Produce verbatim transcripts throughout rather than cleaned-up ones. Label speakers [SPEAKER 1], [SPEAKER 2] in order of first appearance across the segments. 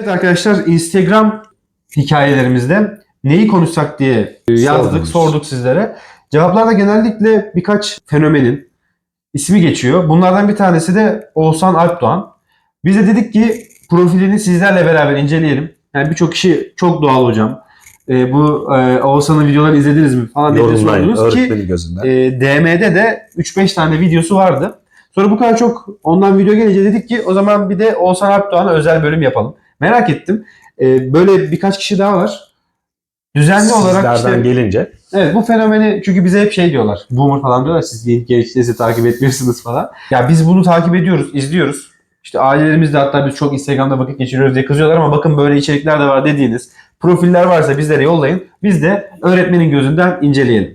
[SPEAKER 1] Arkadaşlar Instagram hikayelerimizde neyi konuşsak diye yazdık,
[SPEAKER 2] Sormuş.
[SPEAKER 1] sorduk sizlere. Cevaplarda genellikle birkaç fenomenin ismi geçiyor. Bunlardan bir tanesi de Oğuzhan Alpdoğan. Biz de dedik ki profilini sizlerle beraber inceleyelim. Yani birçok kişi çok doğal hocam. E, bu e, Oğuzhan'ın videolarını izlediniz mi falan diye
[SPEAKER 2] Yorumlayın
[SPEAKER 1] sordunuz ki
[SPEAKER 2] öğretmenin gözünden.
[SPEAKER 1] e, D M'de de üç beş tane videosu vardı. Sonra bu kadar çok ondan video gelince dedik ki o zaman bir de Oğuzhan Alpdoğan'a özel bölüm yapalım. Merak ettim. Ee, böyle birkaç kişi daha var. Düzenli olarak
[SPEAKER 2] Sizlerden
[SPEAKER 1] işte,
[SPEAKER 2] gelince.
[SPEAKER 1] evet bu fenomeni çünkü bize hep şey diyorlar. Boomer falan diyorlar. Siz genç genç nesli takip etmiyorsunuz falan. Ya biz bunu takip ediyoruz, izliyoruz. İşte ailelerimizde hatta biz çok Instagram'da vakit geçiriyoruz diye kızıyorlar ama bakın böyle içerikler de var dediğiniz profiller varsa bizlere yollayın. Biz de öğretmenin gözünden inceleyelim.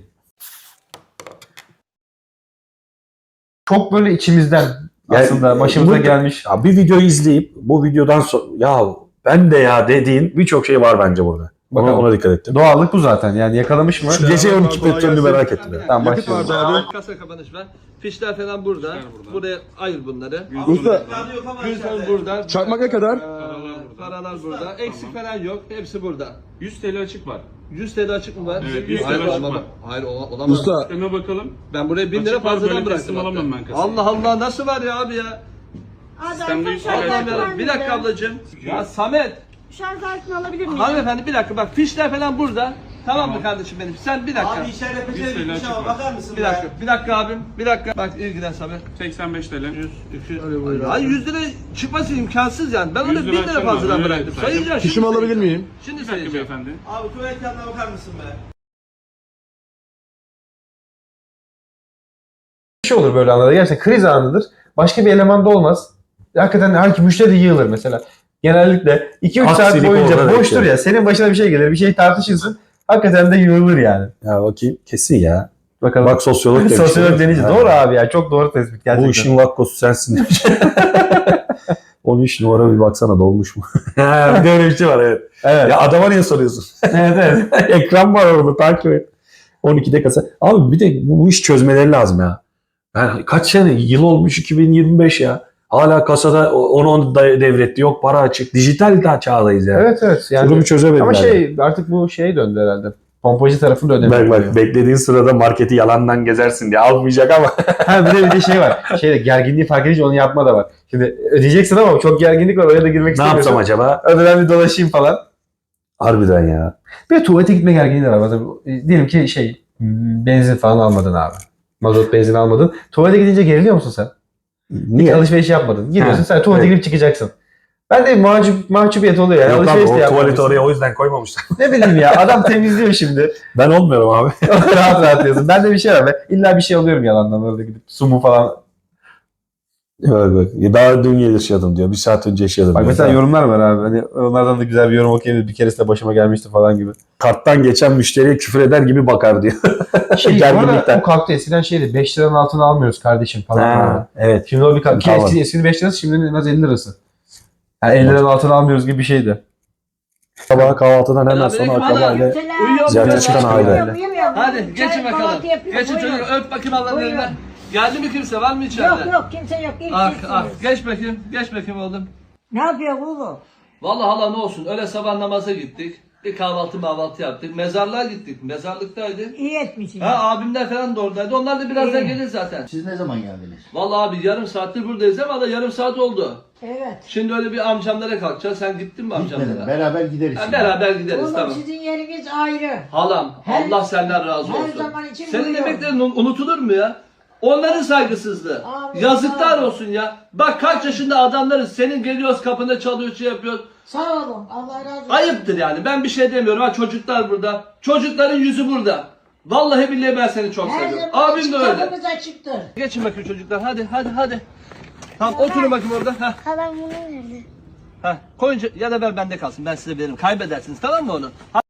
[SPEAKER 1] Çok böyle içimizden aslında
[SPEAKER 2] Yani,
[SPEAKER 1] başımıza
[SPEAKER 2] bu-
[SPEAKER 1] gelmiş.
[SPEAKER 2] Ya bir videoyu izleyip bu videodan sonra ya ben de ya dediğin birçok şey var bence burada. Bakın
[SPEAKER 1] Doğru.
[SPEAKER 2] ona dikkat ettim.
[SPEAKER 1] Doğallık bu zaten. Yani yakalamış mı?
[SPEAKER 2] Şu gece on iki petrolünü merak ettim. ya.
[SPEAKER 1] Tamam başlayalım.
[SPEAKER 3] Kasa kapanış var. Fişler falan burada. Buraya ayır bunları.
[SPEAKER 4] Usta,
[SPEAKER 3] Gülten burada.
[SPEAKER 4] çakmak ne kadar?
[SPEAKER 3] Ee, Paralar burada. Eksik falan yok. Hepsi burada.
[SPEAKER 5] yüz TL açık var.
[SPEAKER 3] yüz T L açık mı var?
[SPEAKER 5] Evet, yüz
[SPEAKER 3] Hayır,
[SPEAKER 5] TL açık
[SPEAKER 3] olamaz.
[SPEAKER 5] var.
[SPEAKER 3] Hayır ola- olamaz.
[SPEAKER 4] Usta,
[SPEAKER 5] Sisteme bakalım.
[SPEAKER 3] Ben buraya bin lira
[SPEAKER 5] Açık var,
[SPEAKER 3] fazladan
[SPEAKER 5] böyle
[SPEAKER 3] bıraktım.
[SPEAKER 5] teslim
[SPEAKER 3] hatta.
[SPEAKER 5] alamam ben kasayı.
[SPEAKER 3] Allah Allah nasıl var ya abi ya?
[SPEAKER 5] Sistemde yüz TL
[SPEAKER 3] Allah'ım
[SPEAKER 5] açık var.
[SPEAKER 3] yarabbim. Bir dakika ablacığım. Ya Samet.
[SPEAKER 6] Şarj aletini alabilir miyim?
[SPEAKER 3] Hanımefendi bir dakika bak fişler falan burada. Tamam mı kardeşim benim? Sen bir dakika.
[SPEAKER 7] Abi içeride
[SPEAKER 5] yüz
[SPEAKER 7] peçete
[SPEAKER 5] TL
[SPEAKER 7] bitmiş
[SPEAKER 5] açık
[SPEAKER 7] ama
[SPEAKER 5] var.
[SPEAKER 7] bakar mısın
[SPEAKER 3] Bir
[SPEAKER 7] be?
[SPEAKER 3] dakika. Bir dakika abim. Bir dakika. Bak ilgilen Samet.
[SPEAKER 5] seksen beş TL.
[SPEAKER 3] yüz, iki yüz. Hayır yüz lira çıkması imkansız yani. Ben onu
[SPEAKER 5] yüz
[SPEAKER 3] bin
[SPEAKER 5] lira
[SPEAKER 3] lira
[SPEAKER 5] açalım
[SPEAKER 3] fazladan
[SPEAKER 5] abi,
[SPEAKER 3] bıraktım.
[SPEAKER 5] evet,
[SPEAKER 3] Sayacağım. şimdi
[SPEAKER 4] fişimi alabilir
[SPEAKER 3] sayacağım.
[SPEAKER 4] miyim?
[SPEAKER 3] Şimdi
[SPEAKER 5] Bir dakika
[SPEAKER 3] sayacağım.
[SPEAKER 5] beyefendi.
[SPEAKER 7] Abi tuvalet yanına bakar mısın be?
[SPEAKER 1] Bir şey olur böyle anlarda. Gerçekten kriz anıdır. Başka bir elemanda olmaz. Hakikaten her müşteri yığılır mesela. Genellikle iki üç saat
[SPEAKER 2] Aksilik
[SPEAKER 1] boyunca
[SPEAKER 2] orada
[SPEAKER 1] boştur
[SPEAKER 2] bekliyor.
[SPEAKER 1] ya. Senin başına bir şey gelir. Bir şey tartışırsın. Hakikaten de yığılır yani.
[SPEAKER 2] Ya bakayım kesin ya.
[SPEAKER 1] Bakalım.
[SPEAKER 2] Bak sosyolog demiş.
[SPEAKER 1] Sosyolog denince.
[SPEAKER 2] Ha.
[SPEAKER 1] Doğru abi ya. Çok doğru tespit gerçekten.
[SPEAKER 2] Bu işin vakkosu sensin demiş. on üç numara bir baksana dolmuş mu? bir de öyle bir şey var evet.
[SPEAKER 1] Evet.
[SPEAKER 2] Ya adama niye soruyorsun?
[SPEAKER 1] evet evet.
[SPEAKER 2] Ekran var orada takip et. on ikide kasa. Abi bir de bu, bu iş çözmeleri lazım ya. Yani kaç sene? Yıl olmuş iki bin yirmi beş ya. Hala kasada onu onu da devretti. Yok para açık. Dijital daha çağdayız yani.
[SPEAKER 1] Evet evet. Yani,
[SPEAKER 2] Durumu çözemediler.
[SPEAKER 1] ama şey artık bu şeye döndü herhalde. Pompacı tarafında
[SPEAKER 2] Bak
[SPEAKER 1] ödemiyor.
[SPEAKER 2] bak beklediğin sırada marketi yalandan gezersin diye almayacak ama.
[SPEAKER 1] Ha bir de bir de şey var. Şeyde gerginliği fark edince onu yapma da var. Şimdi ödeyeceksin ama çok gerginlik var. Oraya da girmek
[SPEAKER 2] Ne
[SPEAKER 1] istemiyorsun.
[SPEAKER 2] yapsam acaba?
[SPEAKER 1] Ödeden bir dolaşayım falan.
[SPEAKER 2] Harbiden ya.
[SPEAKER 1] Bir de tuvalete gitme gerginliği de var. Mesela, e, diyelim ki şey m, benzin falan almadın abi. Mazot benzin almadın. Tuvalete gidince geriliyor musun sen? Hiç
[SPEAKER 2] Niye?
[SPEAKER 1] alışveriş yapmadın. Gidiyorsun
[SPEAKER 2] Ha,
[SPEAKER 1] sen tuvalete
[SPEAKER 2] evet.
[SPEAKER 1] girip çıkacaksın. Ben de mahcup, mahcubiyet oluyor yani.
[SPEAKER 2] Yok abi
[SPEAKER 1] Alışveriş de
[SPEAKER 2] o tuvaleti
[SPEAKER 1] yapmamışsın.
[SPEAKER 2] oraya o yüzden koymamışlar.
[SPEAKER 1] Ne bileyim ya adam temizliyor şimdi.
[SPEAKER 2] Ben olmuyorum abi.
[SPEAKER 1] rahat rahat diyorsun. Ben de bir şey var. Ben illa bir şey alıyorum yalandan orada gidip. Su mu falan.
[SPEAKER 2] Bak bak. Daha dün yaşadım diyor. Bir saat önce yaşadım
[SPEAKER 1] Bak
[SPEAKER 2] diyor.
[SPEAKER 1] mesela yorumlar var abi. Hani onlardan da güzel bir yorum okuyabiliriz. Bir keresinde başıma gelmişti falan gibi.
[SPEAKER 2] Karttan geçen müşteriye küfür eder gibi bakar diyor.
[SPEAKER 1] Şey bu
[SPEAKER 2] Gerginlikten.
[SPEAKER 1] arada o kalktı. Eskiden şeydi beş liranın altına almıyoruz kardeşim falan. abi.
[SPEAKER 2] Ha, evet.
[SPEAKER 1] Şimdi o bir kalktı. Ki
[SPEAKER 2] Kalmadı.
[SPEAKER 1] eski, eskinin beş lirası şimdinin en az elli lirası. Yani elli liranın altına almıyoruz gibi bir şeydi.
[SPEAKER 2] Sabah kahvaltıdan hemen sonra
[SPEAKER 3] Selamünaleyküm.
[SPEAKER 2] akrabayla
[SPEAKER 3] Uyuyor
[SPEAKER 2] ziyarete
[SPEAKER 3] mu?
[SPEAKER 2] çıkan aile.
[SPEAKER 3] Hadi geçin bakalım. Geçin çocuk öp bakayım Allah'ın
[SPEAKER 6] Buyurun.
[SPEAKER 3] elinden. Geldi mi kimse var mı içeride?
[SPEAKER 6] Yok yok kimse yok. İlk
[SPEAKER 3] Ah
[SPEAKER 6] sizsiniz.
[SPEAKER 3] ah geç bakayım. Geç bakayım oğlum.
[SPEAKER 6] Ne yapıyor oğlum?
[SPEAKER 3] Vallahi hala ne olsun öyle sabah namaza gittik. Bir kahvaltı mahvaltı yaptık. Mezarlığa gittik. Mezarlıktaydık.
[SPEAKER 6] İyi etmişsin.
[SPEAKER 3] Ha abimler falan da oradaydı. Onlar da birazdan
[SPEAKER 6] İyi.
[SPEAKER 3] gelir zaten.
[SPEAKER 7] Siz ne zaman geldiniz?
[SPEAKER 3] Vallahi abi yarım saattir buradayız ama da yarım saat oldu.
[SPEAKER 6] Evet.
[SPEAKER 3] Şimdi öyle bir amcamlara kalkacağız. Sen gittin mi amcamlara?
[SPEAKER 7] Beraber gideriz.
[SPEAKER 3] Ha, beraber gideriz
[SPEAKER 6] Oğlum
[SPEAKER 3] tamam.
[SPEAKER 6] sizin yeriniz ayrı.
[SPEAKER 3] Halam
[SPEAKER 6] Her-
[SPEAKER 3] Allah senden razı
[SPEAKER 6] her
[SPEAKER 3] olsun.
[SPEAKER 6] zaman için
[SPEAKER 3] Senin
[SPEAKER 6] buyuruyorum.
[SPEAKER 3] emeklerin un- unutulur mu ya? Onların saygısızlığı.
[SPEAKER 6] Abi,
[SPEAKER 3] Yazıklar
[SPEAKER 6] abi.
[SPEAKER 3] olsun ya. Bak kaç yaşında adamlarız. Senin geliyoruz kapında çalıyor şey yapıyor.
[SPEAKER 6] Sağ olun. Allah razı olsun.
[SPEAKER 3] Ayıptır yani. Ben bir şey demiyorum. Ha çocuklar burada. Çocukların yüzü burada. Vallahi billahi ben seni çok
[SPEAKER 6] Her
[SPEAKER 3] seviyorum.
[SPEAKER 6] zaman
[SPEAKER 3] Abim de öyle.
[SPEAKER 6] kapımız açıktır.
[SPEAKER 3] Geçin bakayım çocuklar. Hadi hadi hadi. Tamam oturun bakayım orada. Heh.
[SPEAKER 8] Halam bunu verdi.
[SPEAKER 3] Heh. Koyunca ya da ver bende kalsın. Ben size veririm. Kaybedersiniz tamam mı onu?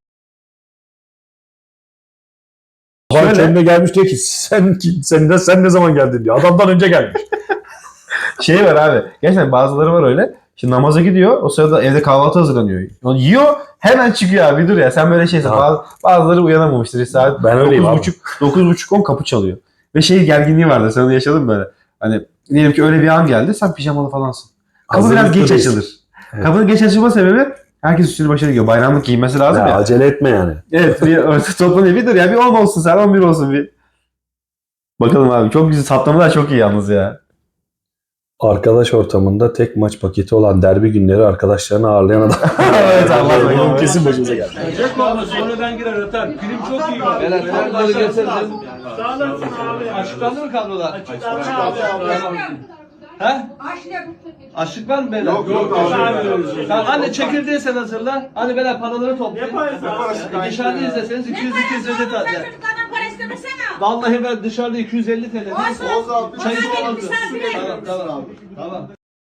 [SPEAKER 2] Bana
[SPEAKER 1] Şöyle-
[SPEAKER 2] kendine gelmiş diyor ki sen, sen, de, sen ne zaman geldin diyor. Adamdan önce gelmiş.
[SPEAKER 1] Şey var abi. Gerçekten bazıları var öyle. Şimdi namaza gidiyor. O sırada evde kahvaltı hazırlanıyor. Onu yiyor. Hemen çıkıyor abi. Dur ya sen böyle şeysin.
[SPEAKER 2] Ha.
[SPEAKER 1] Bazı, bazıları uyanamamıştır. Saat
[SPEAKER 2] Ben öyleyim
[SPEAKER 1] dokuz
[SPEAKER 2] abi.
[SPEAKER 1] buçuk, dokuz buçuk on kapı çalıyor. Ve şey gerginliği vardı. Sen onu yaşadın mı böyle? Hani diyelim ki öyle bir an geldi. Sen pijamalı falansın. Kapı biraz
[SPEAKER 2] Hazırlıklı
[SPEAKER 1] geç
[SPEAKER 2] değilsin.
[SPEAKER 1] açılır.
[SPEAKER 2] Evet.
[SPEAKER 1] Kapının geç açılma sebebi herkes üstünü başına giyiyor. Bayramlık giyinmesi lazım
[SPEAKER 2] Ya,
[SPEAKER 1] ya.
[SPEAKER 2] acele etme yani.
[SPEAKER 1] Evet bir orta toplan bir dur ya bir on olsun sen on bir olsun bir. Bakalım abi çok güzel saplamalar çok iyi yalnız ya.
[SPEAKER 2] Arkadaş ortamında tek maç paketi olan derbi günleri arkadaşlarını ağırlayan adam.
[SPEAKER 1] Evet, Allah Allah.
[SPEAKER 2] Bu kesin başımıza geldi.
[SPEAKER 7] Çek olma sonra ben girer öter. Film çok iyi var.
[SPEAKER 3] Beyler kartları getirdim.
[SPEAKER 7] Sağ olasın abi.
[SPEAKER 3] Açıklandı mı kadrolar?
[SPEAKER 7] Açıklandı abi.
[SPEAKER 3] He?
[SPEAKER 6] Açlık.
[SPEAKER 3] Açlık var mı beyler?
[SPEAKER 7] Yok yok abi.
[SPEAKER 3] Tamam anne çekirdeği sen hazırla. Hadi beyler paraları toplayın. E, dışarıda izleseniz iki yüz iki yüz elli T L.
[SPEAKER 6] Çocuklardan para istemesene.
[SPEAKER 3] Vallahi ben dışarıda iki yüz elli T L.
[SPEAKER 6] Olsun.
[SPEAKER 3] Çay
[SPEAKER 6] Benim
[SPEAKER 3] ısmarladım.
[SPEAKER 6] misafirim.
[SPEAKER 3] Tamam tamam. Tamam.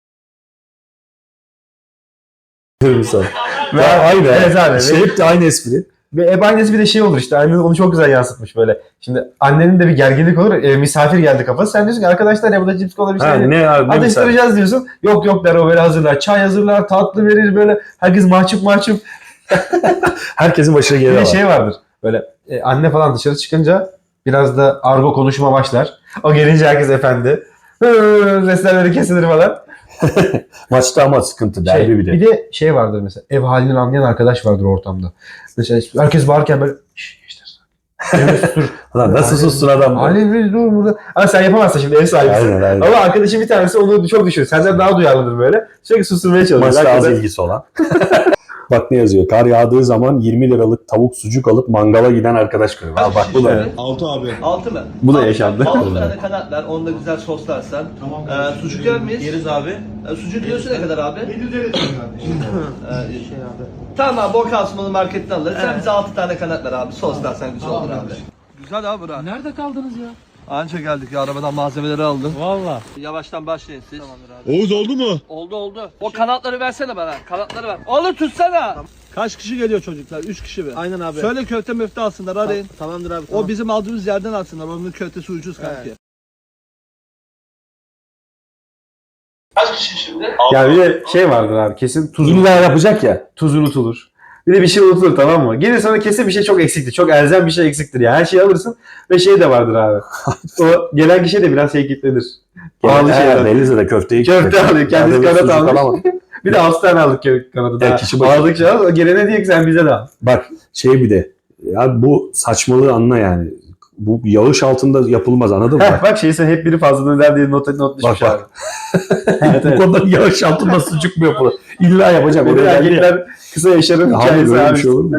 [SPEAKER 2] Insan. Ya aynı.
[SPEAKER 1] Evet abi.
[SPEAKER 2] Şey hep de aynı espri.
[SPEAKER 1] Ve ev annesi bir de şey olur işte annen onu çok güzel yansıtmış böyle. Şimdi annenin de bir gerginlik olur. E, misafir geldi kafası. Sen diyorsun ki arkadaşlar ya bu da cips kola bir şey.
[SPEAKER 2] Ha, ne abi ne misal.
[SPEAKER 1] Atıştıracağız diyorsun. Yok yok der o böyle hazırlar. Çay hazırlar, tatlı verir böyle. Herkes mahcup mahcup.
[SPEAKER 2] Herkesin başına
[SPEAKER 1] Bir
[SPEAKER 2] gelir
[SPEAKER 1] de
[SPEAKER 2] var.
[SPEAKER 1] şey vardır. Böyle e, anne falan dışarı çıkınca biraz da argo konuşma başlar. O gelince herkes efendi. Hı, sesleri kesilir falan.
[SPEAKER 2] Maçta ama sıkıntı derbi
[SPEAKER 1] Şey,
[SPEAKER 2] bir de.
[SPEAKER 1] bir de şey vardır mesela. Ev halini anlayan arkadaş vardır ortamda. Mesela herkes bağırırken böyle şşş gençler. Evet, sustur.
[SPEAKER 2] Lan nasıl sustun adam? bu?
[SPEAKER 1] Halil bir dur burada. Ama sen yapamazsın şimdi ev sahibisin.
[SPEAKER 2] Aynen aynen.
[SPEAKER 1] Ama arkadaşın bir tanesi onu çok düşürür. Senden daha duyarlıdır böyle. Sürekli susturmaya çalışıyor.
[SPEAKER 2] Maçta az
[SPEAKER 1] Hakikaten-
[SPEAKER 2] ilgisi olan. Bak ne yazıyor. Kar yağdığı zaman yirmi liralık tavuk sucuk alıp mangala giden arkadaş görüyor. Ha, bak bu da.
[SPEAKER 1] Evet.
[SPEAKER 7] Altı abi.
[SPEAKER 3] Altı mı?
[SPEAKER 1] Bu da
[SPEAKER 3] Altı-
[SPEAKER 1] yaşandı.
[SPEAKER 3] Altı tane kanat ver. Onu da güzel soslarsan.
[SPEAKER 7] Tamam.
[SPEAKER 3] Ee, sucuk yer miyiz?
[SPEAKER 7] Yeriz abi.
[SPEAKER 3] Ee, sucuk kilosu ne kadar abi?
[SPEAKER 7] yedi yüz elli kardeşim.
[SPEAKER 3] Ee, Tamam abi bol kasmalı marketten alırız. Sen bize altı tane kanat ver abi. Soslarsan güzel olur abi. Güzel abi bura.
[SPEAKER 4] Nerede kaldınız ya?
[SPEAKER 3] Anca geldik ya arabadan malzemeleri aldım.
[SPEAKER 4] Valla.
[SPEAKER 3] Yavaştan başlayın siz. Tamamdır abi.
[SPEAKER 7] Oğuz oldu mu?
[SPEAKER 3] Oldu oldu. O kanatları versene bana. Kanatları ver. Oğlum tutsana. Kaç kişi geliyor çocuklar? Üç kişi mi?
[SPEAKER 7] Aynen abi.
[SPEAKER 3] Söyle köfte müfte alsınlar arayın.
[SPEAKER 7] Tamamdır abi.
[SPEAKER 3] O bizim aldığımız yerden alsınlar. Onun köftesi ucuz kanki. Kaç kişi şimdi?
[SPEAKER 1] Ya bir de şey vardır abi kesin tuz,
[SPEAKER 2] İlla yapacak ya.
[SPEAKER 1] tuz unutulur. Bir de bir şey unutulur tamam mı? Gelir sana kesin bir şey çok eksiktir. Çok elzem bir şey eksiktir ya. Her şeyi alırsın ve şey de vardır abi. O gelen kişi de biraz şey kitlenir. Pahalı
[SPEAKER 2] He,
[SPEAKER 1] şeyler.
[SPEAKER 2] Denizli'de de köfteyi
[SPEAKER 1] Köfte alıyor. Kendisi
[SPEAKER 2] Yanında
[SPEAKER 1] kanat
[SPEAKER 2] sucuk
[SPEAKER 1] almış.
[SPEAKER 2] alamadı.
[SPEAKER 1] Bir de altı tane aldık kö- kanadı daha.
[SPEAKER 2] Evet, kişi başı.
[SPEAKER 1] Aldıkça al. O gelene diyor ki sen bize de al.
[SPEAKER 2] Bak şey bir de. Ya bu saçmalığı anla yani. Bu yağış altında yapılmaz anladın mı?
[SPEAKER 1] Heh, bak şeyse hep biri fazladan der diye not, not düşmüş
[SPEAKER 2] Bak,
[SPEAKER 1] abi.
[SPEAKER 2] bak.
[SPEAKER 1] evet,
[SPEAKER 2] Bu
[SPEAKER 1] evet.
[SPEAKER 2] konuda yağış altında sucuk mu yapılır? İlla yapacağım.
[SPEAKER 1] Bir de
[SPEAKER 2] Oraya geldi ya.
[SPEAKER 1] erkekler kısa yaşarın
[SPEAKER 2] Abi
[SPEAKER 1] hikayesi
[SPEAKER 2] böyle
[SPEAKER 1] abi.
[SPEAKER 2] bir şey olur mu?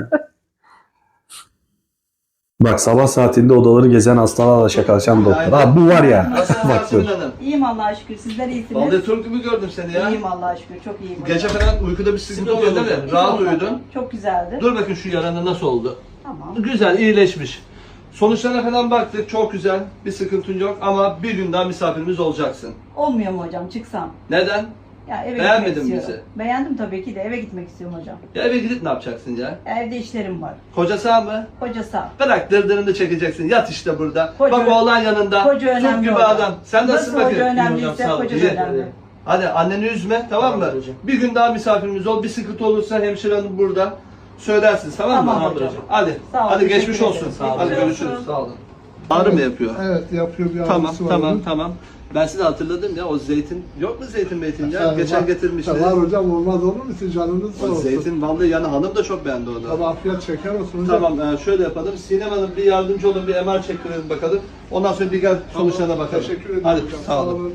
[SPEAKER 2] Bak sabah saatinde odaları gezen hastalarla şakalaşan doktor. Ha bu var ya.
[SPEAKER 3] Nasılsın
[SPEAKER 2] Bak
[SPEAKER 3] Yasemin
[SPEAKER 2] dur.
[SPEAKER 3] Hanım?
[SPEAKER 6] İyiyim Allah'a şükür. Sizler iyisiniz.
[SPEAKER 3] Vallahi Türk gibi gördüm seni ya.
[SPEAKER 6] İyiyim Allah'a şükür. Çok iyiyim.
[SPEAKER 3] Gece falan uykuda bir sıkıntı oluyor değil mi? Rahat uyudun.
[SPEAKER 6] Çok güzeldi.
[SPEAKER 3] Dur bakın şu yaranın nasıl oldu?
[SPEAKER 6] Tamam.
[SPEAKER 3] Güzel, iyileşmiş. Sonuçlarına falan baktık, çok güzel. Bir sıkıntın yok ama bir gün daha misafirimiz olacaksın.
[SPEAKER 6] Olmuyor mu hocam çıksam?
[SPEAKER 3] Neden?
[SPEAKER 6] Ya eve
[SPEAKER 3] Beğenmedin
[SPEAKER 6] gitmek
[SPEAKER 3] mi
[SPEAKER 6] istiyorum. Beğendim tabii ki de eve gitmek istiyorum hocam.
[SPEAKER 3] Ya eve gidip ne yapacaksın ya?
[SPEAKER 6] Evde işlerim var.
[SPEAKER 3] Koca sağ mı?
[SPEAKER 6] Koca sağ.
[SPEAKER 3] Bırak dırdırını çekeceksin. Yat işte burada.
[SPEAKER 6] Koca-
[SPEAKER 3] Bak oğlan yanında.
[SPEAKER 6] Koca
[SPEAKER 3] Türk
[SPEAKER 6] önemli
[SPEAKER 3] gibi
[SPEAKER 6] hocam.
[SPEAKER 3] adam. Sen nasılsın
[SPEAKER 6] Nasıl
[SPEAKER 3] bakayım?
[SPEAKER 6] hoca önemliyse
[SPEAKER 3] Sağ ol.
[SPEAKER 6] koca da
[SPEAKER 3] İyi.
[SPEAKER 6] önemli.
[SPEAKER 3] Hadi anneni üzme tamam mı?
[SPEAKER 7] Tamam hocam.
[SPEAKER 3] Bir gün daha misafirimiz ol. Bir sıkıntı olursa hemşire hanım burada. Söylersiniz tamam mı?
[SPEAKER 6] Tamam hocam.
[SPEAKER 3] Hadi.
[SPEAKER 6] Sağ ol,
[SPEAKER 3] Hadi
[SPEAKER 6] teşekkür
[SPEAKER 3] geçmiş
[SPEAKER 6] ederim.
[SPEAKER 3] olsun.
[SPEAKER 6] Sağ ol.
[SPEAKER 3] Hadi
[SPEAKER 6] Geçmiş
[SPEAKER 3] görüşürüz.
[SPEAKER 6] olsun.
[SPEAKER 3] Sağ olun. Ağrı mı yapıyor?
[SPEAKER 8] Evet yapıyor bir
[SPEAKER 3] Tamam
[SPEAKER 8] ağrısı var.
[SPEAKER 3] tamam
[SPEAKER 8] onun.
[SPEAKER 3] tamam. Ben sizi hatırladım ya o zeytin yok mu zeytin meytin ya?
[SPEAKER 8] Yani
[SPEAKER 3] Geçen
[SPEAKER 8] var-
[SPEAKER 3] getirmiştiniz.
[SPEAKER 8] Var hocam olmaz olur mu siz canınız sağ
[SPEAKER 3] O
[SPEAKER 8] olsun.
[SPEAKER 3] zeytin vallahi yani hanım da çok beğendi onu.
[SPEAKER 8] Tabii afiyet şeker olsun hocam.
[SPEAKER 3] Tamam e, şöyle yapalım. Sinem Hanım bir yardımcı olun bir M R çektirelim bakalım. Ondan sonra bir gel sonuçlarına bakalım.
[SPEAKER 8] Teşekkür ederim
[SPEAKER 3] Hadi
[SPEAKER 8] hocam.
[SPEAKER 3] sağ olun.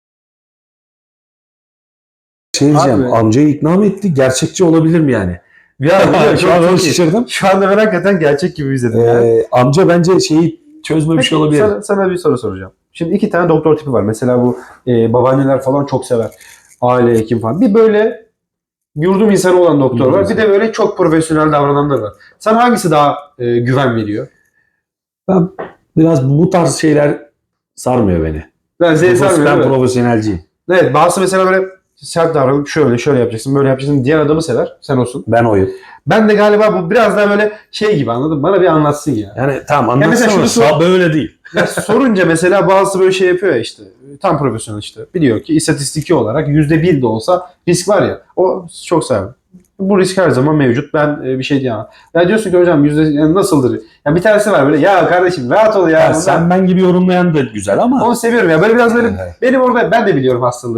[SPEAKER 2] Şey diyeceğim.
[SPEAKER 1] Abi.
[SPEAKER 2] Amcayı ikna mı etti? Gerçekçi olabilir mi yani?
[SPEAKER 1] Ya
[SPEAKER 2] Şu an onu şaşırdım.
[SPEAKER 1] Şu anda ben hakikaten gerçek gibi izledim ya.
[SPEAKER 2] Ee, amca bence şeyi çözmemiş
[SPEAKER 1] Peki,
[SPEAKER 2] olabilir.
[SPEAKER 1] Sana, sana bir soru soracağım. Şimdi iki tane doktor tipi var. Mesela bu e, babaanneler falan çok sever. Aile hekim falan. Bir böyle yurdum insanı olan doktor
[SPEAKER 2] Yurdum
[SPEAKER 1] var. Bir de böyle çok profesyonel davrananlar var. Sen hangisi daha e, güven veriyor?
[SPEAKER 2] Ben biraz bu tarz şeyler sarmıyor beni.
[SPEAKER 1] Ben seni
[SPEAKER 2] Ben
[SPEAKER 1] sarmıyorum. Evet.
[SPEAKER 2] profesyonelciyim.
[SPEAKER 1] Evet, bazısı mesela böyle sert davranıp şöyle şöyle yapacaksın, böyle yapacaksın diyen adamı sever. Sen olsun.
[SPEAKER 2] Ben oyum.
[SPEAKER 1] Ben de galiba bu biraz daha böyle şey gibi anladın mı? Bana bir anlatsın ya.
[SPEAKER 2] Yani tamam
[SPEAKER 1] Ya mesela
[SPEAKER 2] anlatsana.
[SPEAKER 1] şunu sor-
[SPEAKER 2] Böyle değil.
[SPEAKER 1] Ya sorunca mesela bazısı böyle şey yapıyor ya işte. Tam profesyonel işte. Biliyor ki istatistiki olarak yüzde bir de olsa risk var ya. O çok sever. Bu risk her zaman mevcut. Ben e, bir şey diyemem. Ya diyorsun ki hocam yüzde yani nasıldır? Ya bir tanesi var böyle ya kardeşim rahat ol ya.
[SPEAKER 2] Ya
[SPEAKER 1] Ondan-
[SPEAKER 2] sen ben gibi yorumlayan da güzel ama.
[SPEAKER 1] Onu seviyorum ya. Böyle biraz böyle
[SPEAKER 2] Evet.
[SPEAKER 1] benim orada ben de biliyorum hastalığımın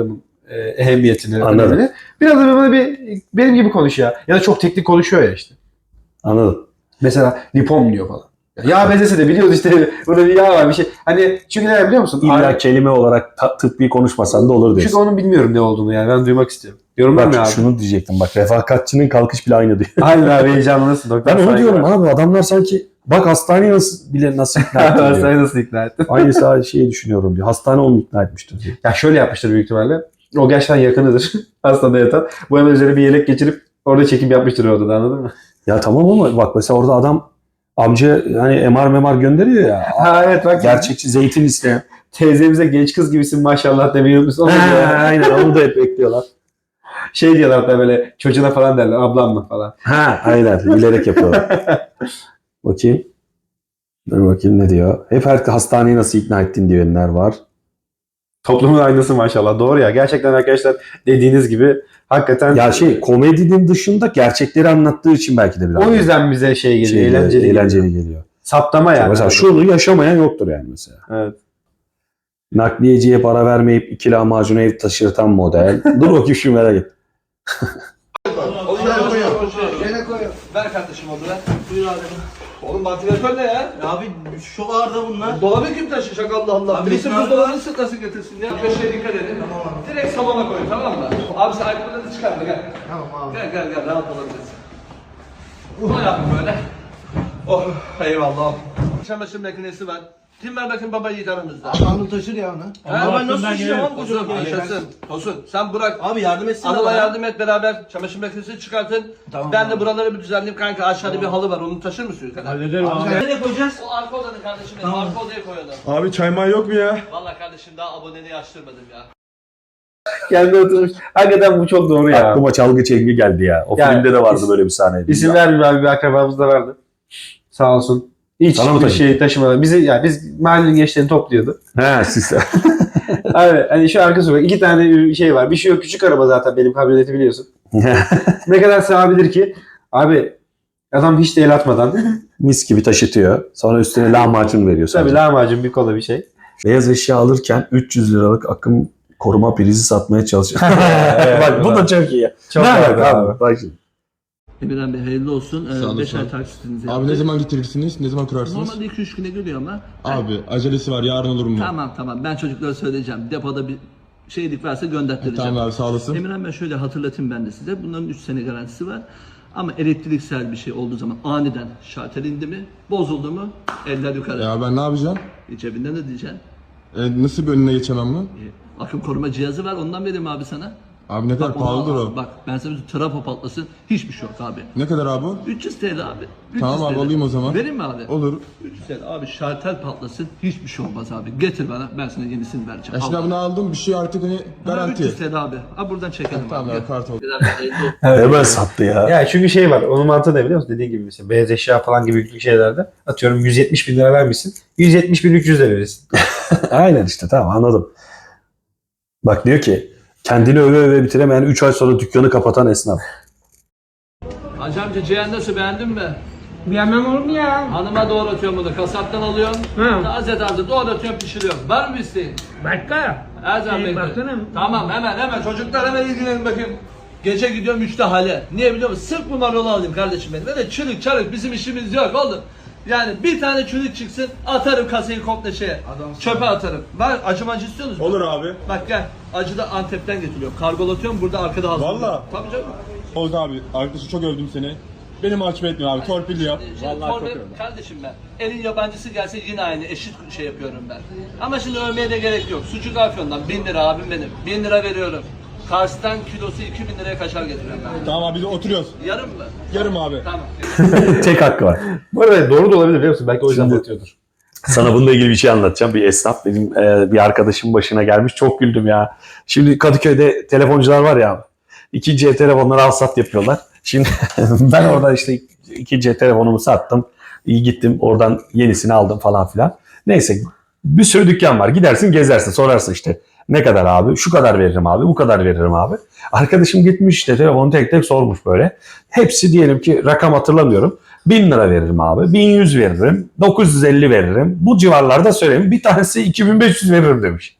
[SPEAKER 1] e, ehemmiyetini,
[SPEAKER 2] Anladım.
[SPEAKER 1] önemini. Biraz da böyle bir benim gibi konuşuyor. Ya da çok teknik konuşuyor ya işte.
[SPEAKER 2] Anladım.
[SPEAKER 1] Mesela lipom diyor falan. Yağ bezesi de biliyoruz işte burada bir yağ var bir şey. Hani çünkü ne biliyor musun?
[SPEAKER 2] İlla
[SPEAKER 1] Ay-
[SPEAKER 2] kelime olarak ta- tıbbi konuşmasan da olur
[SPEAKER 1] Çünkü
[SPEAKER 2] diyorsun.
[SPEAKER 1] onun bilmiyorum ne olduğunu yani ben duymak istiyorum. Yorumlar ne
[SPEAKER 2] Bak
[SPEAKER 1] abi?
[SPEAKER 2] şunu diyecektim bak refakatçinin kalkış bile aynı diyor.
[SPEAKER 1] Aynen abi heyecanlısın. Doktor
[SPEAKER 2] Ben onu
[SPEAKER 1] saygı
[SPEAKER 2] diyorum
[SPEAKER 1] var.
[SPEAKER 2] abi adamlar sanki bak hastaneye nasıl bile nasıl ikna etti diyor.
[SPEAKER 1] Hastayı nasıl ikna ettin?
[SPEAKER 2] Aynı sadece şeyi düşünüyorum diyor. Hastane onu ikna etmiştir diyor.
[SPEAKER 1] Ya şöyle yapmıştır büyük ihtimalle. O gerçekten yakınıdır. Hastanede yatan. Bu hemen üzerine bir yelek geçirip orada çekim yapmıştır orada da anladın mı?
[SPEAKER 2] Ya tamam ama bak mesela orada adam amca hani M R memar gönderiyor ya.
[SPEAKER 1] Ha evet bak.
[SPEAKER 2] Gerçekçi zeytin isteyen.
[SPEAKER 1] Teyzemize genç kız gibisin maşallah demeyi unutmuşsun. Onu
[SPEAKER 2] Ha,
[SPEAKER 1] diyor.
[SPEAKER 2] aynen onu da hep bekliyorlar.
[SPEAKER 1] Şey diyorlar hatta böyle çocuğuna falan derler ablam mı falan.
[SPEAKER 2] Ha aynen bilerek yapıyorlar. Bakayım. Dur bakayım ne diyor. Hep her hastaneyi nasıl ikna ettin diyenler var.
[SPEAKER 1] Toplumun aynası maşallah. Doğru ya. Gerçekten arkadaşlar dediğiniz gibi hakikaten
[SPEAKER 2] Ya şey komedinin dışında gerçekleri anlattığı için belki de biraz.
[SPEAKER 1] o yüzden bize şey geliyor.
[SPEAKER 2] şey,
[SPEAKER 1] eğlenceli.
[SPEAKER 2] eğlenceli
[SPEAKER 1] geliyor.
[SPEAKER 2] geliyor.
[SPEAKER 1] Saptama yani.
[SPEAKER 2] Mesela şunu yaşamayan yoktur yani mesela.
[SPEAKER 1] Evet.
[SPEAKER 2] Nakliyeciye para vermeyip iki lahmacunu ev taşırtan model. Dur bakayım şu merak et.
[SPEAKER 3] Şöyle koyuyor. Ver kardeşim onu ver. Buyur abi. Oğlum vantilatör ne ya?
[SPEAKER 7] Abi şu ağırda bunlar.
[SPEAKER 3] Dolabı kim taşıyacak Allah Allah.
[SPEAKER 7] Abi
[SPEAKER 3] Birisi
[SPEAKER 7] biz ne
[SPEAKER 3] buzdolabını sırtlasın getirsin ya. Köşeye dikkat edin.
[SPEAKER 7] Tamam abi.
[SPEAKER 3] Direkt salona koyun tamam mı? Abi sen ayakkabılarını çıkarma gel.
[SPEAKER 7] Tamam abi.
[SPEAKER 3] Gel gel gel rahat olabilirsin. Bunu yap böyle. Oh eyvallah. Çamaşır makinesi var. Kim var bakın baba yiğit aramızda.
[SPEAKER 7] Anıl taşır ya onu.
[SPEAKER 3] Ha?
[SPEAKER 7] Ama ben nasıl taşıyacağım abi
[SPEAKER 3] Tosun,
[SPEAKER 7] kocaman geliyor.
[SPEAKER 3] yaşasın. Tosun, sen bırak.
[SPEAKER 7] Abi yardım etsin.
[SPEAKER 3] Anıl'a
[SPEAKER 7] bana.
[SPEAKER 3] yardım et beraber çamaşır makinesini çıkartın.
[SPEAKER 7] Tamam
[SPEAKER 3] ben de
[SPEAKER 7] abi.
[SPEAKER 3] buraları bir düzenleyeyim kanka. Aşağıda bir halı var. Onu taşır mısın yukarı?
[SPEAKER 7] Hallederim abi. Nereye koyacağız?
[SPEAKER 3] O arka odanın kardeşim benim. Arka odaya koyalım.
[SPEAKER 5] Abi çay may yok mu ya?
[SPEAKER 3] Valla kardeşim daha aboneliği açtırmadım ya.
[SPEAKER 1] Kendi oturmuş. Hakikaten bu çok doğru ya.
[SPEAKER 2] Aklıma çalgı çengi geldi ya. O
[SPEAKER 1] Ya,
[SPEAKER 2] filmde de vardı
[SPEAKER 1] is-
[SPEAKER 2] böyle bir sahne.
[SPEAKER 1] İsim vermeyeyim abi bir akrabamız da vardı. Sağ olsun. Hiç
[SPEAKER 2] Sana mı
[SPEAKER 1] bir
[SPEAKER 2] taşıdı?
[SPEAKER 1] şey taşımadan. Bizi yani biz mahallenin gençlerini topluyordu.
[SPEAKER 2] He siz.
[SPEAKER 1] Abi hani şu arka sokak iki tane şey var. Bir şey yok küçük araba zaten benim kamyoneti biliyorsun. Ne kadar sığabilir ki? Abi adam hiç de el atmadan.
[SPEAKER 2] Mis gibi taşıtıyor. Sonra üstüne lahmacun veriyor
[SPEAKER 1] Tabii
[SPEAKER 2] sadece.
[SPEAKER 1] lahmacun bir kola bir şey.
[SPEAKER 2] Beyaz eşya alırken üç yüz liralık akım koruma prizi satmaya çalışıyor.
[SPEAKER 1] Evet,
[SPEAKER 2] Bak bu
[SPEAKER 1] evet.
[SPEAKER 2] da çok iyi.
[SPEAKER 1] Çok
[SPEAKER 2] ne
[SPEAKER 1] iyi
[SPEAKER 2] alaka
[SPEAKER 1] abi.
[SPEAKER 2] abi? Bak şimdi.
[SPEAKER 3] Emirhan Bey hayırlı olsun.
[SPEAKER 4] Sağ olun,
[SPEAKER 3] beş
[SPEAKER 4] sağ
[SPEAKER 3] ay
[SPEAKER 4] olun.
[SPEAKER 3] taksitinizi
[SPEAKER 4] Abi ne zaman getirirsiniz? Ne zaman kurarsınız?
[SPEAKER 3] Normalde iki üç güne geliyor ama.
[SPEAKER 4] Abi acelesi var yarın olur mu?
[SPEAKER 3] Tamam tamam ben çocuklara söyleyeceğim. Depoda bir şeylik varsa gönderttireceğim.
[SPEAKER 4] Tamam abi sağ olasın.
[SPEAKER 3] Emirhan Bey şöyle hatırlatayım ben de size. Bunların üç sene garantisi var. Ama elektriksel bir şey olduğu zaman aniden şartel indi mi, bozuldu mu eller yukarı.
[SPEAKER 4] Ya ben ne yapacağım?
[SPEAKER 3] Cebinden de diyeceksin.
[SPEAKER 4] E, nasıl bir önüne geçemem mi?
[SPEAKER 3] E, Akım koruma cihazı var ondan vereyim abi sana.
[SPEAKER 4] Abi ne kadar
[SPEAKER 3] Bak, onu
[SPEAKER 4] pahalıdır
[SPEAKER 3] al.
[SPEAKER 4] o?
[SPEAKER 3] Bak ben sana bir trafo patlasın hiçbir şey yok abi.
[SPEAKER 4] Ne kadar abi o?
[SPEAKER 3] üç yüz TL abi. üç yüz
[SPEAKER 4] Tamam abi,
[SPEAKER 3] TL.
[SPEAKER 4] alayım o zaman.
[SPEAKER 3] Vereyim mi abi?
[SPEAKER 4] Olur.
[SPEAKER 3] üç yüz TL abi şartel patlasın hiçbir şey olmaz abi. Getir bana ben sana yenisini vereceğim.
[SPEAKER 4] Ya şimdi
[SPEAKER 3] Al.
[SPEAKER 4] bunu aldım bir şey artık hani
[SPEAKER 3] Ha,
[SPEAKER 4] garanti.
[SPEAKER 3] üç yüz TL abi. Ha buradan çekelim
[SPEAKER 4] Tamam
[SPEAKER 3] abi.
[SPEAKER 4] abi kart oldu.
[SPEAKER 2] Hemen sattı ya.
[SPEAKER 1] Ya çünkü şey var. Onun mantığı ne biliyor musun? Dediğin gibi mesela beyaz eşya falan gibi yüklü şeylerde atıyorum yüz yetmiş bin lira vermişsin. yüz yetmiş bin üç yüz lira verirsin.
[SPEAKER 2] Aynen işte tamam anladım. Bak diyor ki kendini öve öve bitiremeyen üç ay sonra dükkanı kapatan esnaf.
[SPEAKER 3] Hacı amca ciğer nasıl beğendin mi?
[SPEAKER 6] Beğenmem olur mu ya?
[SPEAKER 3] Hanıma doğratıyorum bunu. Kasaptan alıyorum.
[SPEAKER 6] Hı.
[SPEAKER 3] Taze taze doğratıyorum pişiriyorum. Var mı isteğin?
[SPEAKER 6] Başka?
[SPEAKER 3] Her zaman
[SPEAKER 6] Ee,
[SPEAKER 3] bekliyorum.
[SPEAKER 6] baksana.
[SPEAKER 3] Tamam hemen hemen çocuklar hemen ilgilenin bakayım. Gece gidiyorum üçte hale. Niye biliyor musun? Sırf bu marulu alayım kardeşim benim. Böyle çürük çarık bizim işimiz yok oğlum. Yani bir tane çürük çıksın atarım kasayı komple şeye. Çöpe atarım. Var acı macı istiyor musun?
[SPEAKER 5] Olur abi.
[SPEAKER 3] Bak gel. Acı da Antep'ten getiriyorum. Kargolatıyorum burada arkada hazırlıyorum.
[SPEAKER 5] Valla.
[SPEAKER 3] Tabii canım.
[SPEAKER 5] Oldu abi. Arkadaşı çok övdüm seni. Beni mahcup etmiyor abi. Torpilli yap.
[SPEAKER 3] Şimdi
[SPEAKER 5] Vallahi çok
[SPEAKER 3] forvet-
[SPEAKER 5] övdüm.
[SPEAKER 3] kardeşim ben. Elin yabancısı gelse yine aynı eşit şey yapıyorum ben. Ama şimdi övmeye de gerek yok. Sucuk Afyon'dan bin lira abim benim. bin lira veriyorum. Kars'tan kilosu iki bin liraya kaşar getiriyorum ben.
[SPEAKER 5] Tamam abi biz oturuyoruz.
[SPEAKER 3] Yarım mı?
[SPEAKER 5] Yarım abi.
[SPEAKER 3] Tamam.
[SPEAKER 2] Tek hakkı var.
[SPEAKER 1] Bu arada doğru da olabilir biliyor musun? Belki o yüzden
[SPEAKER 2] Şimdi-
[SPEAKER 1] batıyordur.
[SPEAKER 2] Sana bununla ilgili bir şey anlatacağım. Bir esnaf benim e, bir arkadaşım başına gelmiş. Çok güldüm ya. Şimdi Kadıköy'de telefoncular var ya. İkinci el telefonları al sat yapıyorlar. Şimdi ben orada işte ikinci el telefonumu sattım. İyi gittim oradan yenisini aldım falan filan. Neyse bir sürü dükkan var. Gidersin gezersin sorarsın işte. Ne kadar abi? Şu kadar veririm abi. Bu kadar veririm abi. Arkadaşım gitmiş işte telefonu tek tek sormuş böyle. Hepsi diyelim ki rakam hatırlamıyorum. bin lira veririm abi. bin yüz veririm. dokuz yüz elli veririm. Bu civarlarda söyleyeyim. Bir tanesi iki bin beş yüz veririm demiş.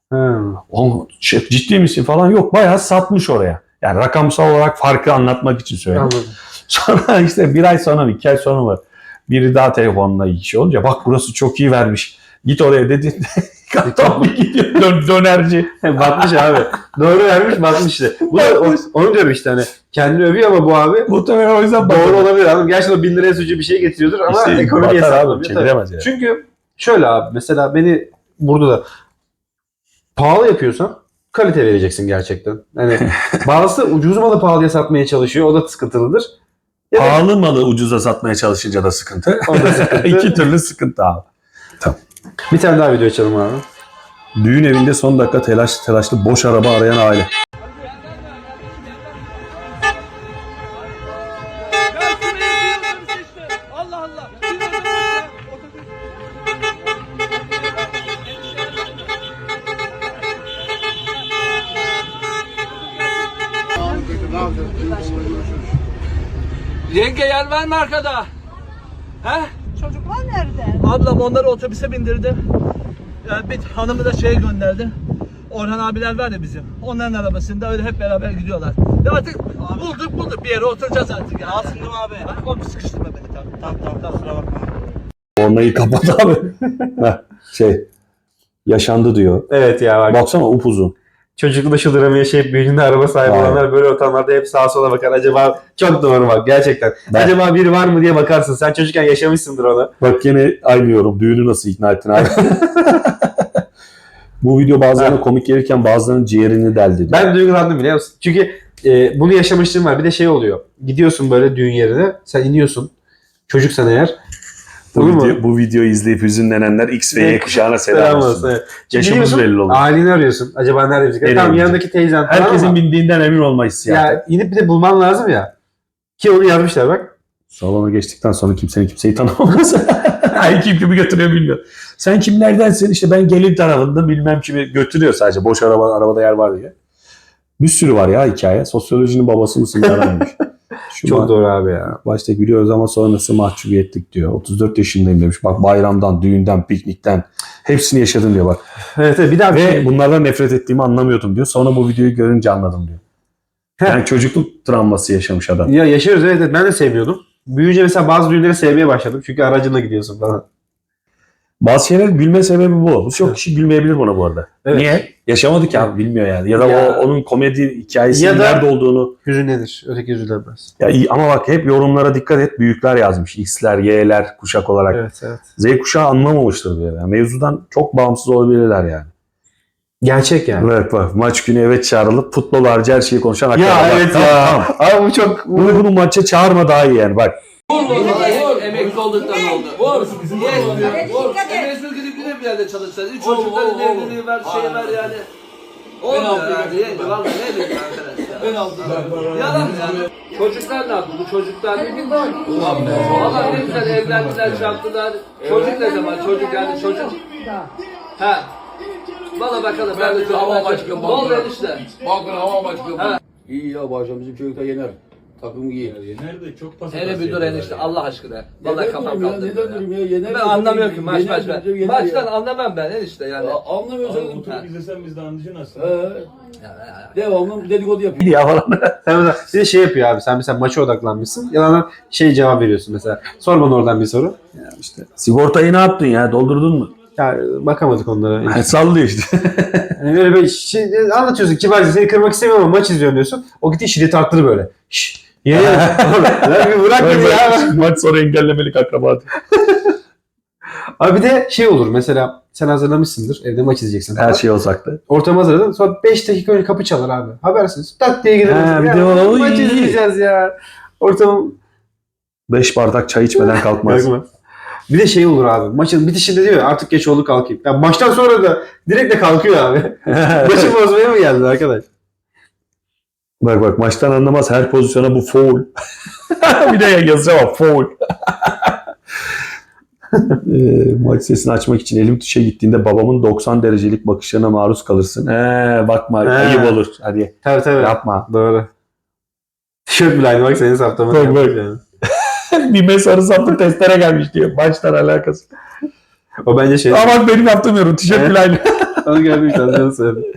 [SPEAKER 2] Ha, o, şey, ciddi misin falan yok. Bayağı satmış oraya. Yani rakamsal olarak farkı anlatmak için söyledim.
[SPEAKER 1] Anladım.
[SPEAKER 2] Sonra işte bir ay sonra mı iki ay sonra mı biri daha telefonla işi olunca bak burası çok iyi vermiş. Git oraya dedi. Tam bir gidiyor dön, dönerci.
[SPEAKER 1] Batmış abi. Doğru vermiş batmış işte. Bu da o- onu diyorum işte hani. Kendini övüyor ama bu abi
[SPEAKER 2] Muhtemelen o yüzden
[SPEAKER 1] doğru olabilir abi. Gerçekten o bin liraya suçu bir şey getiriyordur ama
[SPEAKER 2] İşte
[SPEAKER 1] ekonomiye
[SPEAKER 2] batar abi,
[SPEAKER 1] hesaplamıyor.
[SPEAKER 2] çeviremez yani.
[SPEAKER 1] Çünkü şöyle abi mesela beni burada da pahalı yapıyorsan kalite vereceksin gerçekten. Hani bazısı ucuz malı pahalıya satmaya çalışıyor. O da sıkıntılıdır. Ya da
[SPEAKER 2] Pahalı malı ucuza satmaya çalışınca da sıkıntı.
[SPEAKER 1] o da sıkıntı.
[SPEAKER 2] İki türlü sıkıntı abi.
[SPEAKER 1] Bir tane daha video açalım abi.
[SPEAKER 2] Düğün evinde son dakika telaş telaşlı boş araba arayan aile.
[SPEAKER 3] Allah Allah. Yenge yer var mı arkada? He?
[SPEAKER 9] Çocuklar nerede?
[SPEAKER 3] Ablam onları otobüse bindirdi. Yani bir hanımı da şeye gönderdi. Orhan abiler var ya bizim. Onların arabasında öyle hep beraber gidiyorlar. Ya artık bulduk bulduk bir yere oturacağız artık ya.
[SPEAKER 7] Alsın değil mi abi?
[SPEAKER 3] Hadi oğlum sıkıştırma beni tamam.
[SPEAKER 7] Tamam tamam tamam kusura bakma.
[SPEAKER 2] Ornayı kapat abi. Heh, şey yaşandı diyor.
[SPEAKER 1] Evet ya bak.
[SPEAKER 2] Baksana upuzun.
[SPEAKER 1] Çocukluğunda şıldıramaya yaşayıp büyüdüğünde araba sahibi
[SPEAKER 2] Aynen.
[SPEAKER 1] olanlar böyle ortamlarda hep sağa sola bakar. Acaba çok doğru bak gerçekten.
[SPEAKER 2] Ben-
[SPEAKER 1] Acaba biri var mı diye bakarsın. Sen çocukken yaşamışsındır onu.
[SPEAKER 2] Bak yine aynı yorum. Düğünü nasıl ikna ettin abi? Bu video bazılarına komik gelirken bazılarının ciğerini deldi diyor.
[SPEAKER 1] Ben duygulandım biliyor musun? Çünkü e, bunu yaşamışlığım var. Bir de şey oluyor. Gidiyorsun böyle düğün yerine. Sen iniyorsun. Çocuksan eğer.
[SPEAKER 2] bu,
[SPEAKER 1] Olur mu?
[SPEAKER 2] video, bu videoyu izleyip hüzünlenenler X ve Y
[SPEAKER 1] Evet.
[SPEAKER 2] kuşağına
[SPEAKER 1] Selam
[SPEAKER 2] selam
[SPEAKER 1] olsun.
[SPEAKER 2] olsun.
[SPEAKER 1] Evet.
[SPEAKER 2] Yaşımız
[SPEAKER 1] Gidiyorsun,
[SPEAKER 2] belli olur.
[SPEAKER 1] aileni arıyorsun. Acaba nerede bizi?
[SPEAKER 2] Nereye
[SPEAKER 1] Tamam
[SPEAKER 2] gidecek?
[SPEAKER 1] yanındaki teyzen falan
[SPEAKER 2] Herkesin
[SPEAKER 1] ama
[SPEAKER 2] bindiğinden emin olma hissiyatı.
[SPEAKER 1] ya inip bir de bulman lazım ya. Ki onu yazmışlar bak.
[SPEAKER 2] Salona geçtikten sonra kimsenin kimseyi tanımaması. Ay kim kimi götürüyor bilmiyor. Sen kimlerdensin? İşte ben gelin tarafında bilmem kimi götürüyor sadece. Boş araba, arabada yer var diye. Bir sürü var ya hikaye. Sosyolojinin babası mısın aranmış. Şu
[SPEAKER 1] Çok
[SPEAKER 2] ba-
[SPEAKER 1] doğru abi ya.
[SPEAKER 2] Başta gülüyoruz ama sonrası mahcubiyetlik diyor. otuz dört yaşındayım demiş. Bak bayramdan, düğünden, piknikten hepsini yaşadım diyor bak.
[SPEAKER 1] Evet, evet bir daha bir
[SPEAKER 2] Ve
[SPEAKER 1] şey.
[SPEAKER 2] bunlardan nefret ettiğimi anlamıyordum diyor. Sonra bu videoyu görünce anladım diyor. Yani çocukluk travması yaşamış adam.
[SPEAKER 1] Ya yaşıyoruz evet, evet ben de sevmiyordum. Büyüyünce mesela bazı düğünleri sevmeye başladım. Çünkü aracınla gidiyorsun falan.
[SPEAKER 2] Bazı şeyler gülme sebebi bu. Bu çok kişi gülmeyebilir buna bu arada.
[SPEAKER 1] Evet.
[SPEAKER 2] Niye? Yaşamadı ki abi bilmiyor yani. Ya da
[SPEAKER 1] Ya-
[SPEAKER 2] o onun komedi hikayesinin
[SPEAKER 1] Ya da-
[SPEAKER 2] nerede olduğunu.
[SPEAKER 1] Hüzünlenir. Öteki üzülemez.
[SPEAKER 2] Ya iyi, ama bak hep yorumlara dikkat et. Büyükler yazmış. X'ler, Y'ler kuşak olarak.
[SPEAKER 1] Evet evet.
[SPEAKER 2] Z kuşağı anlamamıştır diyor. Yani mevzudan çok bağımsız olabilirler yani.
[SPEAKER 1] Gerçek yani.
[SPEAKER 2] Evet bak maç günü evet çağrılıp futbol harici her şeyi konuşan
[SPEAKER 1] Ya
[SPEAKER 2] akrabalar.
[SPEAKER 1] evet
[SPEAKER 2] Tamam,
[SPEAKER 1] ya.
[SPEAKER 2] tamam.
[SPEAKER 1] Abi bu çok...
[SPEAKER 2] Bunu, bunu maça çağırma daha iyi yani bak.
[SPEAKER 3] Emekli olduktan oldu. Vur. Yetmiyor. Vur. Emekli gidip yine bir yerde çalışacağız. Üç çocukların evliliği var, şey var yani. Olmuyor yani. Yenge vallahi ne bileyim arkadaş ya. Ben aldım. Yalan yani. Çocuklar ne yaptı? Bu çocuklar ne bileyim. Valla ne güzel evlendiler, çarptılar. Çocuk ne zaman? Çocuk yani çocuk. Ha. Valla bakalım ben de çocuk.
[SPEAKER 10] Hava başkanı.
[SPEAKER 3] Ne oldu enişte?
[SPEAKER 10] Bakın hava başkanı.
[SPEAKER 3] Ha.
[SPEAKER 10] İyi ya bu akşam bizim çocuklar yener. Takım giyer.
[SPEAKER 5] Nerede? Çok pas
[SPEAKER 3] Hele bir dur enişte Allah aşkına. Vallahi kafam
[SPEAKER 10] ya,
[SPEAKER 3] kaldı.
[SPEAKER 10] neden durayım ya? Yener.
[SPEAKER 3] Ben anlamıyorum ki maç
[SPEAKER 10] Yener,
[SPEAKER 3] maç ben.
[SPEAKER 10] yener, yener
[SPEAKER 3] Maçtan
[SPEAKER 10] ya.
[SPEAKER 3] anlamam ben enişte yani.
[SPEAKER 10] Ya, Anlamıyorsan
[SPEAKER 5] Oturup izlesen biz de anlayacaksın aslında.
[SPEAKER 10] Ee, devamlı dedikodu yapıyor.
[SPEAKER 2] Ya falan.
[SPEAKER 1] Sen mesela bir de şey yapıyor abi. Sen mesela maça odaklanmışsın. Yalandan şey cevap veriyorsun mesela. Sor bana oradan bir soru.
[SPEAKER 2] Sigortayı ne yaptın ya? Doldurdun mu?
[SPEAKER 1] Ya bakamadık onlara.
[SPEAKER 2] Yani sallıyor işte.
[SPEAKER 1] Yani böyle bir şey anlatıyorsun kibarca seni kırmak istemiyorum ama maç izliyorum diyorsun. O gitti şiddet arttırır böyle. Şşş. Ye ye. Lan bir bırak beni ya.
[SPEAKER 2] Maç sonra engellemelik akraba.
[SPEAKER 1] Abi bir de şey olur mesela sen hazırlamışsındır evde maç izleyeceksin.
[SPEAKER 2] Her şey olsak da.
[SPEAKER 1] Ortamı hazırladın sonra beş dakika önce kapı çalar abi. Habersiz. Tak diye gidelim.
[SPEAKER 2] Ha, bir
[SPEAKER 1] Ya,
[SPEAKER 2] de o-
[SPEAKER 1] maç
[SPEAKER 2] iyi.
[SPEAKER 1] izleyeceğiz ya. Ortamı
[SPEAKER 2] Beş bardak çay içmeden kalkmaz.
[SPEAKER 1] Bakma. Bir de şey olur abi. Maçın bitişinde diyor ya, artık geç oldu kalkayım. Ya maçtan sonra da direkt de kalkıyor abi. Maçı bozmaya mı geldi arkadaş?
[SPEAKER 2] Bak bak maçtan anlamaz her pozisyona bu foul. Bir de yazıyor ama foul. e, maç sesini açmak için elim tuşa gittiğinde babamın doksan derecelik bakışlarına maruz kalırsın. Ee, bakma
[SPEAKER 1] He.
[SPEAKER 2] ayıp olur. Hadi
[SPEAKER 1] Tabii tabii.
[SPEAKER 2] yapma.
[SPEAKER 1] Doğru. Tişört bile aynı bak senin saptamanı
[SPEAKER 2] Bak,
[SPEAKER 1] yapmış
[SPEAKER 2] bak.
[SPEAKER 1] yani.
[SPEAKER 2] Bir mesarı saplı testere gelmiş diyor. Maçtan alakası.
[SPEAKER 1] O bence şey.
[SPEAKER 2] Ama bak benim yaptığım yorum. Tişört
[SPEAKER 1] Evet.
[SPEAKER 2] bile aynı.
[SPEAKER 1] Onu gördüm işte. Onu söyledim.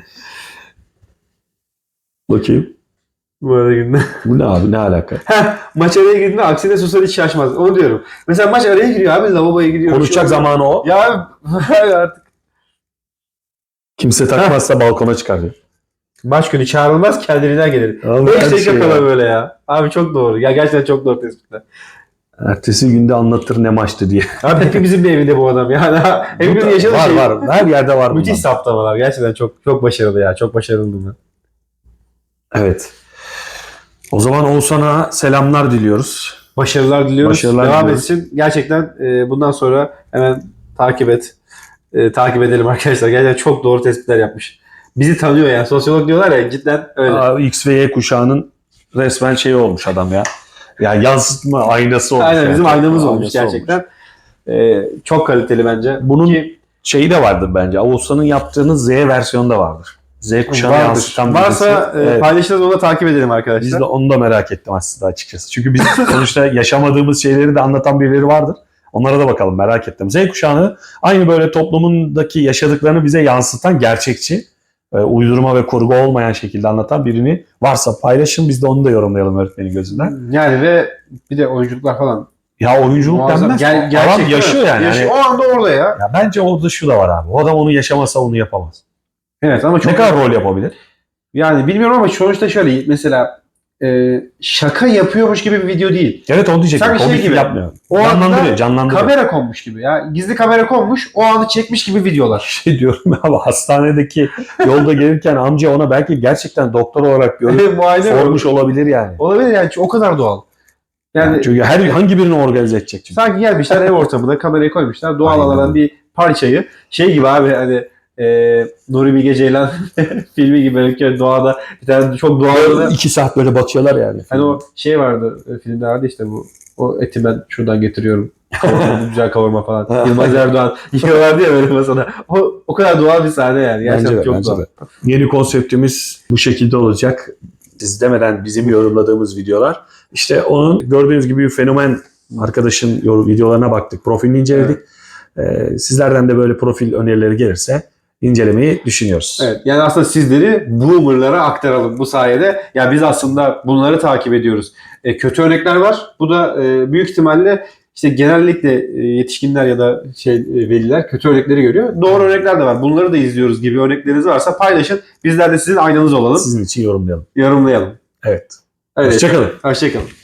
[SPEAKER 2] Bakayım.
[SPEAKER 1] Bu arada günde.
[SPEAKER 2] Bu ne abi, ne alaka?
[SPEAKER 1] Maç araya girdiğinde aksine Sosa hiç şaşmaz. Onu diyorum. Mesela maç araya giriyor abi. Lavaboya gidiyor.
[SPEAKER 2] Konuşacak
[SPEAKER 1] bir şey oluyor.
[SPEAKER 2] zamanı o.
[SPEAKER 1] Ya abi artık.
[SPEAKER 2] Kimse takmazsa balkona çıkar diyor.
[SPEAKER 1] Maç günü çağrılmaz kendiliğinden gelir.
[SPEAKER 2] Abi
[SPEAKER 1] beş
[SPEAKER 2] her
[SPEAKER 1] dakika
[SPEAKER 2] şey
[SPEAKER 1] kala
[SPEAKER 2] ya.
[SPEAKER 1] böyle ya. Abi çok doğru. Ya gerçekten çok doğru tespitler.
[SPEAKER 2] Ertesi günde anlatır ne maçtı diye.
[SPEAKER 1] Abi hepimizin bir evinde bu adam yani. Hepimizin yaşadığı
[SPEAKER 2] var
[SPEAKER 1] şey.
[SPEAKER 2] var. Her yerde var bundan.
[SPEAKER 1] Müthiş saptamalar. Gerçekten çok çok başarılı ya. Çok başarılı bunlar.
[SPEAKER 2] Evet. O zaman Oğuzhan'a selamlar diliyoruz.
[SPEAKER 1] Başarılar diliyoruz.
[SPEAKER 2] Başarılar
[SPEAKER 1] Devam
[SPEAKER 2] diliyoruz.
[SPEAKER 1] etsin. Gerçekten e, bundan sonra hemen takip et. E, takip edelim arkadaşlar. Gerçekten çok doğru tespitler yapmış. Bizi tanıyor yani. Sosyolog diyorlar ya, cidden öyle.
[SPEAKER 2] Aa, X ve Y kuşağının resmen şeyi olmuş adam ya. Ya yansıtma aynası olmuş.
[SPEAKER 1] Aynen
[SPEAKER 2] yani.
[SPEAKER 1] bizim aynamız olmuş
[SPEAKER 2] Aynası
[SPEAKER 1] gerçekten. E, çok kaliteli bence.
[SPEAKER 2] Bunun
[SPEAKER 1] Ki,
[SPEAKER 2] şeyi de vardır bence. Oğuzhan'ın yaptığının Z versiyonu da vardır. Z kuşağını
[SPEAKER 1] vardır.
[SPEAKER 2] yansıtan
[SPEAKER 1] Varsa
[SPEAKER 2] birisi.
[SPEAKER 1] e,
[SPEAKER 2] Evet.
[SPEAKER 1] paylaşırız, onu da takip edelim arkadaşlar.
[SPEAKER 2] Biz de onu da merak ettim aslında açıkçası. Çünkü biz sonuçta yaşamadığımız şeyleri de anlatan birileri vardır. Onlara da bakalım, merak ettim. Z kuşağını aynı böyle toplumundaki yaşadıklarını bize yansıtan, gerçekçi, e, uydurma ve kurgu olmayan şekilde anlatan birini varsa paylaşın. Biz de onu da yorumlayalım öğretmenin gözünden.
[SPEAKER 1] Yani ve bir de oyunculuklar falan.
[SPEAKER 2] Ya oyunculuk
[SPEAKER 1] Muazzam.
[SPEAKER 2] denmez.
[SPEAKER 1] Ger-
[SPEAKER 2] Adam
[SPEAKER 1] gerçek,
[SPEAKER 2] yaşıyor
[SPEAKER 1] değil mi?
[SPEAKER 2] yani.
[SPEAKER 1] Yaşıyor.
[SPEAKER 2] Yani-
[SPEAKER 1] O anda orada ya.
[SPEAKER 2] Ya bence orada şu da var abi. O adam onu yaşamasa onu yapamaz.
[SPEAKER 1] Evet ama çok
[SPEAKER 2] Ne kadar rol yapabilir?
[SPEAKER 1] yani bilmiyorum ama sonuçta şöyle mesela e, şaka yapıyormuş gibi bir video değil.
[SPEAKER 2] Evet, onu diyecektim.
[SPEAKER 1] Sanki şey
[SPEAKER 2] Komik
[SPEAKER 1] gibi.
[SPEAKER 2] yapmıyor.
[SPEAKER 1] O
[SPEAKER 2] Canlandırıyor,
[SPEAKER 1] anda
[SPEAKER 2] canlandırıyor.
[SPEAKER 1] kamera konmuş gibi ya. Gizli kamera konmuş, o anı çekmiş gibi videolar.
[SPEAKER 2] Şey diyorum abi, hastanedeki yolda gelirken amca ona belki gerçekten doktor olarak görüp
[SPEAKER 1] Muayene
[SPEAKER 2] sormuş olabilir yani.
[SPEAKER 1] olabilir yani, o kadar doğal. Yani
[SPEAKER 2] Çünkü her hangi birini organize edecek çünkü.
[SPEAKER 1] sanki gelmişler ev ortamında kamerayı koymuşlar. Doğal
[SPEAKER 2] Aynen
[SPEAKER 1] alan
[SPEAKER 2] öyle.
[SPEAKER 1] bir parçayı şey gibi abi, hani e, Nuri Bilge Ceylan filmi gibi böyle doğada bir tane çok doğal.
[SPEAKER 2] İki saat böyle bakıyorlar yani.
[SPEAKER 1] Hani o şey vardı e, filmde vardı işte bu. O eti ben şuradan getiriyorum. Kavurma, güzel kavurma falan. Yılmaz Erdoğan yiyorlardı ya böyle masada. O, o kadar doğal bir sahne yani. Gerçekten
[SPEAKER 2] Bence de,
[SPEAKER 1] çok
[SPEAKER 2] bence
[SPEAKER 1] doğal.
[SPEAKER 2] de. Yeni konseptimiz bu şekilde olacak. Siz demeden bizim yorumladığımız videolar. İşte onun gördüğünüz gibi bir fenomen arkadaşın yor- videolarına baktık. Profilini inceledik. Ee, sizlerden de böyle profil önerileri gelirse incelemeyi düşünüyoruz.
[SPEAKER 1] Evet, yani aslında sizleri boomerlara aktaralım bu sayede. Ya biz aslında bunları takip ediyoruz. E, kötü örnekler var. Bu da e, büyük ihtimalle işte genellikle e, yetişkinler ya da şey e, veliler kötü örnekleri görüyor. Doğru örnekler de var. Bunları da izliyoruz gibi örnekleriniz varsa paylaşın. Bizler de sizin aynanız olalım.
[SPEAKER 2] Sizin için yorumlayalım.
[SPEAKER 1] Yorumlayalım.
[SPEAKER 2] Evet.
[SPEAKER 1] Evet.
[SPEAKER 2] Hoşçakalın.
[SPEAKER 1] Hoşçakalın.